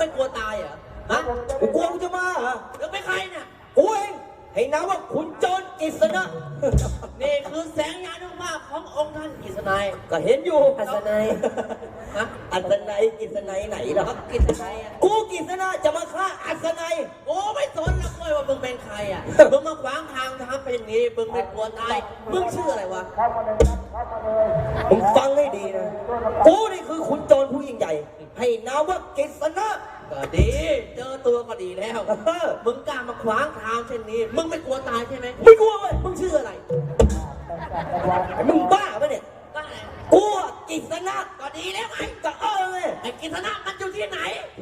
ไม่กลัวตายเหรอฮะกูกลัวมึงจะมาเหรอแล้วเป็นใครเนี่ยกูเองให้นามว่าขุนโจรกฤษณะนี่คือแสงยานุภาพขององค์ท่านกฤษณัยก็เห็นอยู่อัศนัยนะอัศนัยกฤษณัยไหนล่ะแล้วกฤษณัยอ่ะกูกฤษณะจะมาฆ่าอัศนัยโอ้ไม่สนแล้วเลยว่ามึงเป็นใครอ่ะ มึงมาขวางทางทำเป็นอย่างนี้มึงไม่กลัวตายมึงชื่ออะไรวะมึงฟังให้ดีนะกูนี่คือขุนโจรผู้ยิ่งใหญ่ ให้นามว่ากฤษณะก็ดี เจอตัวก็ดีแล้ว มึงกล้ามาขวางทางเช่นนี้ มึงไม่กลัวตายใช่ไหมไม่กลัวเว้ยมึงชื่ออะไรมึงบ้าปะเนี่ยก็อะไรกูอะกฤษณะก็ดีแล้วไงก็เลยไอ้กฤษณะมันอยู่ที่ไหน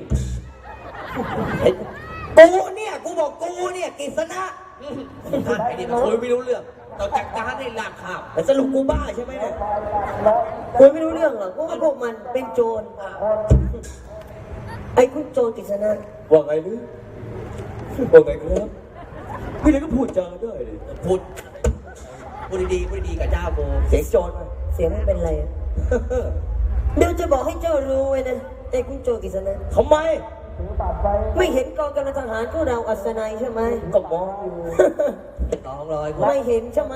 กูเนี่ยกูบอกกูเนี่ยกฤษณะไอ้นี่มันคุยไม่รู้เรื่องต้องจัดการให้ลากข่าวแต่สรุปกูบ้าใช่ไหมเนี่ยคุยไม่รู้เรื่องหรอกเพราะว่าพวกมันเป็นโจรไอ้คุณโจรกฤษณะว่าไงนึว่าไงครับพี่เลยก็พูดจาได้เลยพูดดีๆพูดดีๆกับเจ้าโบเสียงโจรมาเสียงไม่เป็นไรอะเดี๋ยวจะบอกให้เจ้ารู้ไว้นะไอ้คุณโจรกฤษณะทำไมไม่เห็นกองกำลังทหารของเราอัศนัยใช่ไหมก็มองอยู่ 200 ไม่เห็นใช่ไหม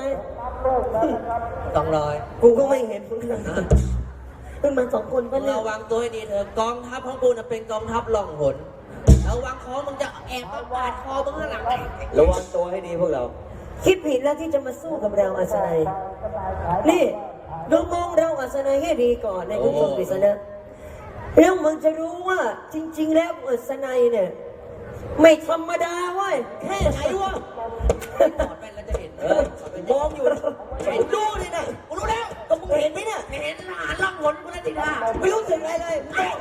200 กูก็ไม่เห็นเหมือนกันขึ้นมาสองคนก็เนี่ยระวังตัวให้ดีเถอะกองทัพของกูน่ะเป็นกองทัพล่องหนระวังคอมึงจะแอบมาปาดคอมึงข้างหลังระวังตัวให้ดีพวกเราคิดผิดแล้วที่จะมาสู้กับเราอัศนัยนี่ดูมองเราอัศนัยให้ดีก่อนในคุณโจรกฤษณะแล้วมึงจะรู้ว่าจริง ๆ แล้วอัศนัยเนี่ยไม่ธรรมดาเว้ยแค่ไหนวะถอดไปแล้วจะเห็นมองอยู่เห็นดูเลยนะกูรู้แล้วก็มึงเห็นไหมเนี่ยเห็นทหารล่องหนกูแล้วทีท่าไม่รู้สึกอะไรเลยเฮ้ย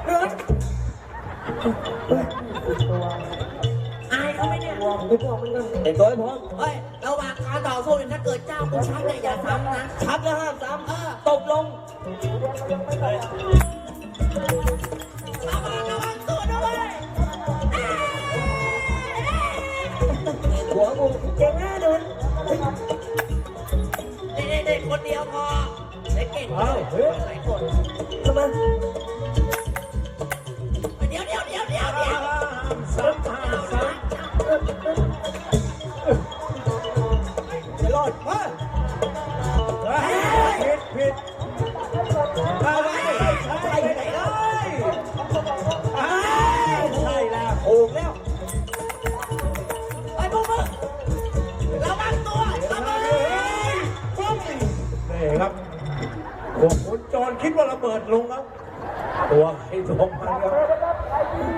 อายเขาไหมเนี่ยไปบอกมันก่อนเห็นตัวให้พร้อมเฮ้ยระหว่างการต่อสู้เนี่ยถ้าเกิดเจ้ากูชักเนี่ยอย่าซ้ำนะชักแล้วห้ามซ้ำตบลงระวังตัวด้วยหัวกูเจ๋งแน่นอนเด็กๆคนเดียวพอเด็กเก่งเลยหลายคนทำไมเดี๋ยวจะรอดมาผิดอะไรใช่ไหนเลยใช่แล้วถูกแล้วไอ้พวกมึงระวังตัวระวังนี่ครับพวกขุนโจรคิดว่าระเบิดลงแล้วตัวใครตัวมันครับ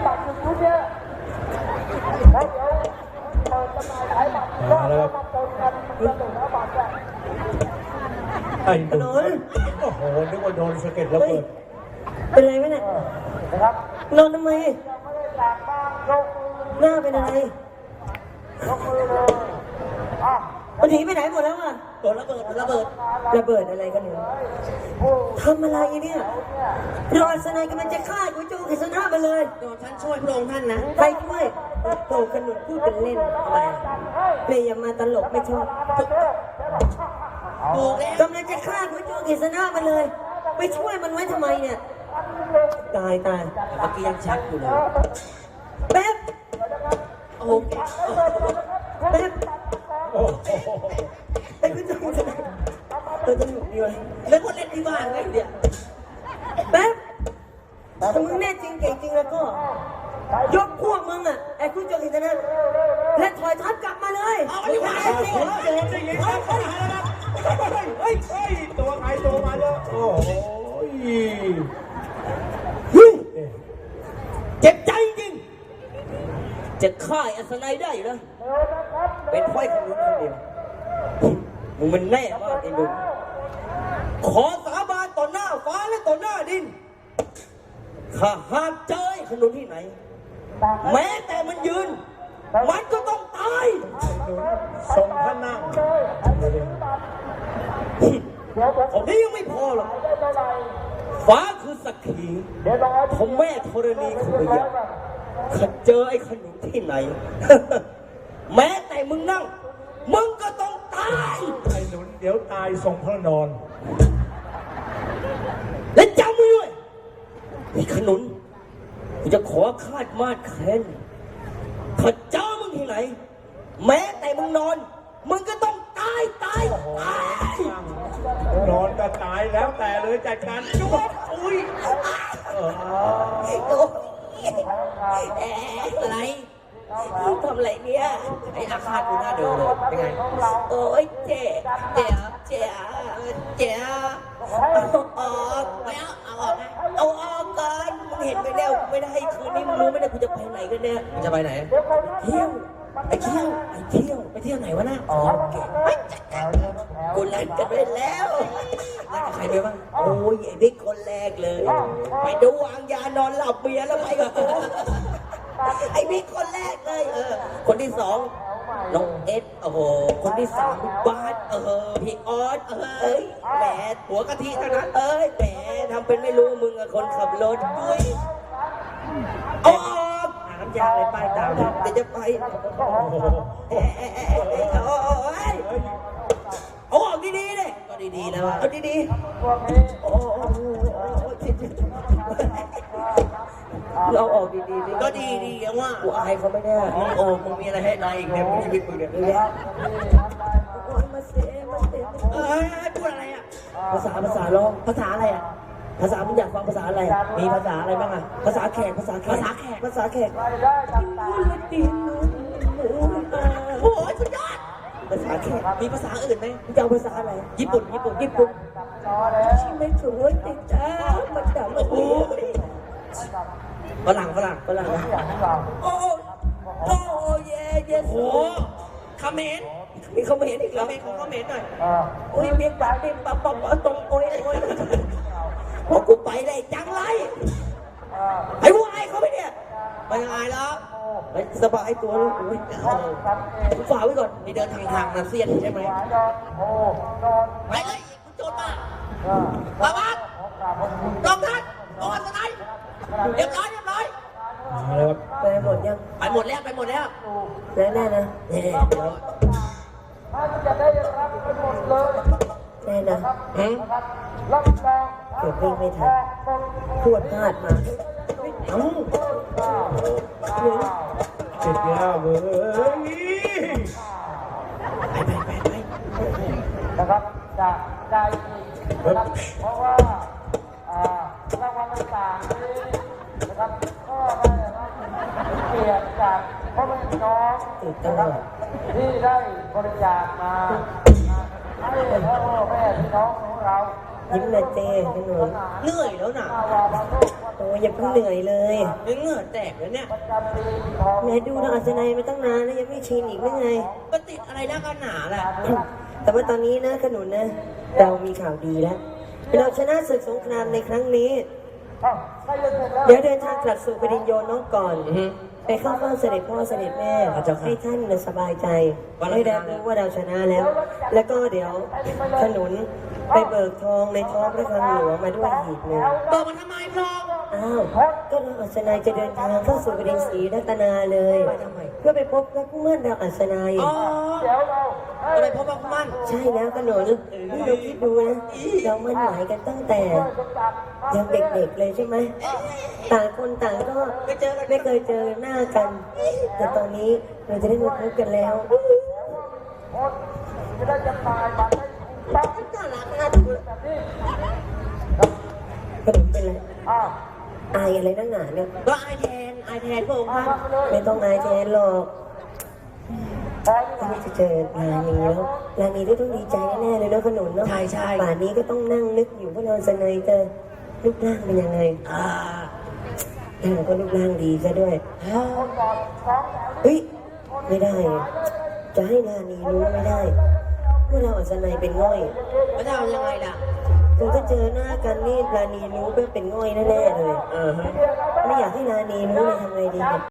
มาแล้วครับไอ้หนุ่มโอ้โหนึกว่าโดนสะเก็ดระเบิดเป็นไรไหมเนี่ยนอนทำไมหน้าเป็นอะไรมันหนีไปไหนหมดแล้วอ่ะโดนระเบิดระเบิดระเบิดอะไรกันเนี่ยทำอะไรเนี่ยรอสนายกำลังจะฆ่ากูโจกฤษณะมาเลยโดนฉันช่วยพระองค์ท่านนะไปช่วยโตขนุนพูดเป็นเล่นอะไรเลยอย่ามาตลกไม่ชอบถูกแล้วกำลังจะฆ่ากูโจกฤษณะมาเลย ไปช่วยมันไว้ทำไมเนี่ยตายเมื่อกี้ยังชักอยู่เลยแป๊บโอ้โหแป๊บโอ้โหไอ้กูโจกฤษณะสนุกดีวะเล่นคนเล่นที่บ้านเลยเนี่ยแป๊บถ้ามึงแน่จริงเก่งจริงแล้วก็ ยกพวกมึงอ่ะไอ้คุณโจกิษณะและถอยทัพกลับมาเลยเอาไปดีกว่าขุนโจรได้ยินครับเฮ้ยตัวใครตัวมันแล้วโอ้โหเจ็บใจจริงจะฆ่าอัศนัยได้อยู่นะเป็นไฟขนุนคนเดียวมึงมันแน่มากไอ้หนุ่มขอสาบานต่อหน้าฟ้าและต่อหน้าดินข้าหากเจอไอ้ขนุนที่ไหน แม้แต่มันยืน มันก็ต้องตายทรงพระนั่งผมนี้ยังไม่พอหรอกฟ้าคือสักขีผมแม่ธรณีคือพยาข้าเจอไอ้ขนุนที่ไหน แม้แต่มึงนั่ง มึงก็ต้องตายไอ้หนุนเดี๋ยวตายทรงพระนอนและจำไว้ด้วยไอ้ขนุนกูจะขอคาดมาดแค้นถ้าเจอมึงที่ไหน แม้แต่มึงนอน มึงก็ต้องตายตายตายนอนก็ตายแล้วแต่เลยจัดการจุ๊บอุ้ยอะไรทำอะไรเนี่ยไอ้อาฆาตกูน่าดูเลยเป็นไงโอ้ยเจ๊เจ๋อเจ๊เจ๋อเอาออกไม่เอาออกนะเอาออกกันมึงเห็นไหมเนี่ยไม่ได้คืนนี้มึงรู้ไหมเนี่ยกูจะไปไหนกันเนี่ยมึงจะไปไหนเที่ยวไปเที่ยวไปเที่ยวไปเที่ยวไหนวะน่ะกูนัดกันไปแล้วนัดกับใครไปบ้างโอ้ยไอ้บิ๊กคนแรกเลย ไปดูวางยานอนหลับเบียร์แล้วไปกับกูไอ้บิ๊กคนแรกเลยคนที่สองน้องเอสโอ้โหคนที่สามพี่บาสพี่ออสเอ้ยแหมหัวกะทิเท่านั้นเอ้ยแหมทำเป็นไม่รู้มึงอะคนขับรถด้วยเอาออกหาน้ำยาอะไรป้ายตามเดี๋ยวจะไปเอาออกดีๆเลยก็ดีๆแล้วอะเอาดีๆโอ้เราออกดีๆดิก็ดีๆว่ากูอายเขาไม่ได้โอ้มึงมีอะไรให้นายอีกเนี่ยมึงชีวิตมึงเนี่ยนี่แหละโอ้ยมาเสียมาเสียเอ้ยพูดอะไรอ่ะภาษาร้องภาษาอะไรอ่ะ ภาษามึงอยากฟังภาษาอะไรมีภาษาอะไรบ้างอ่ะภาษาแขกภาษาแขกภาษาแขกภาษาแขกโอ้ยสุดยอดภาษาแขกมีภาษาอื่นไหมมึงจะเอาภาษาอะไรญี่ปุ่นญี่ปุ่นญี่ปุ่นชิไม่สวยติดจ้ามันดำโอ้ยฝรั่งฝรั่งโอ้โอ้เย่เย่โอ้คอมเขมนต์มีเขาไม่เห็นอีกคแล้อวมเขมนต์ของคอมเขมนต์หน่อยโอ้ยมีปากมีปากปากตรงโอ้ยพอกูไปได้จังไรไอ้วัวไอ้เขาไปเนี่ยไปยังไงแล้วไปสบายตัวเลยโอ้ยฝากไว้ก่อนนี่เดินทางมาเซียนใช่ไหมไปเลยคุณโจรมาบาบาสกองทัพกองสไนป์เรียบร้อยมาเลยครับไปหมดยังไปหมดแล้วแน่นะแน่นะหืมเกือบวิ่งไม่ทันพวดพลาดมาเอ้าติดแล้วเว้ยไปนะครับจะได้อีกนะครับเพราะว่ารางวัลต่างๆนี้นะครับก็ได้รับเกียรติจากพ่อแม่พี่น้องตื่นเต้นนะครับที่ได้บริจาคมาให้พ่อแม่พี่น้องของเรายิ้มเลยเจ้ขนุนเหนื่อยแล้วนะวาบาโลกโอ้ยอย่าเพิ่งเหนื่อยเลยเหงื่อแตกแล้วเนี่ยประจำปีของแม่ดูเราอัศนัยมาตั้งนานแล้วยังไม่ชินอีกหรือไงก็ติดอะไรนักกันหนาแหละแต่ว่าตอนนี้นะขนุนนะ เรามีข่าวดีแล้ว เราชนะศึกสงครามในครั้งนี้ใกล้จะเสร็จแล้วเดี๋ยวเดินทางกลับสู่ปริญโยนน้องก่อน ไปเข้าเฝ้าเสด็จพ่อเสด็จแม่ให้ท่านสบายใจให้ได้รู้ว่าเราชนะแล้ว แล้วก็เดี๋ยวขนุนไปเบิกทองในท้องพระคลังหลวงมาด้วยหีบหนึ่งเปิดมาทำไมพลองอ้าวก็เราอัศนัยจะเดินทางเข้าสู่ปริญศรีรัตนาเลย เพื่อไปพบรักเมื่อนเราอัศนัยอ๋อเดี๋ยวเราจะไปพบกับมั่นใช่แล้วขนุนนี่เราคิดดูนะเรามั่นหมายกันตั้งแต่ยังเด็กๆเลยใช่ไหมต่างคนต่างก็ไม่เคยเจอหน้ากัน แต่ตอนนี้เราจะได้มาพบกันแล้วจะได้จำหน่ายบัตรได้ถูกต้องน่ารักน่าดูขนุนเป็นไรอ้าวอายอะไรนักหนาเนี่ยก็อายแทนพระองค์ท่านมาเลยไม่ต้องอายแทนหรอกพอถ้าไม่จะเจอลานีแล้วลานีต้องดีใจแน่ๆเลยเนาะขนุนเนาะใช่ป่านนี้ก็ต้องนั่งนึกอยู่ว่าเราสนยเจอรูปร่างเป็นยังไงอ่าเราก็รูปร่างดีซะด้วยคนก่อนท้องแถวเฮ้ย ไม่ได้ จะให้ลานีรู้ไม่ได้ว่าเราอัศนัยเป็นง่อยแล้วจะเอายังไงล่ะถึงถ้าเจอหน้ากันนี่ลานีรู้ว่าเป็นง่อยแน่ๆเลยเออฮะไม่อยากให้ลานีรู้เลยทำไงดีเนี่ย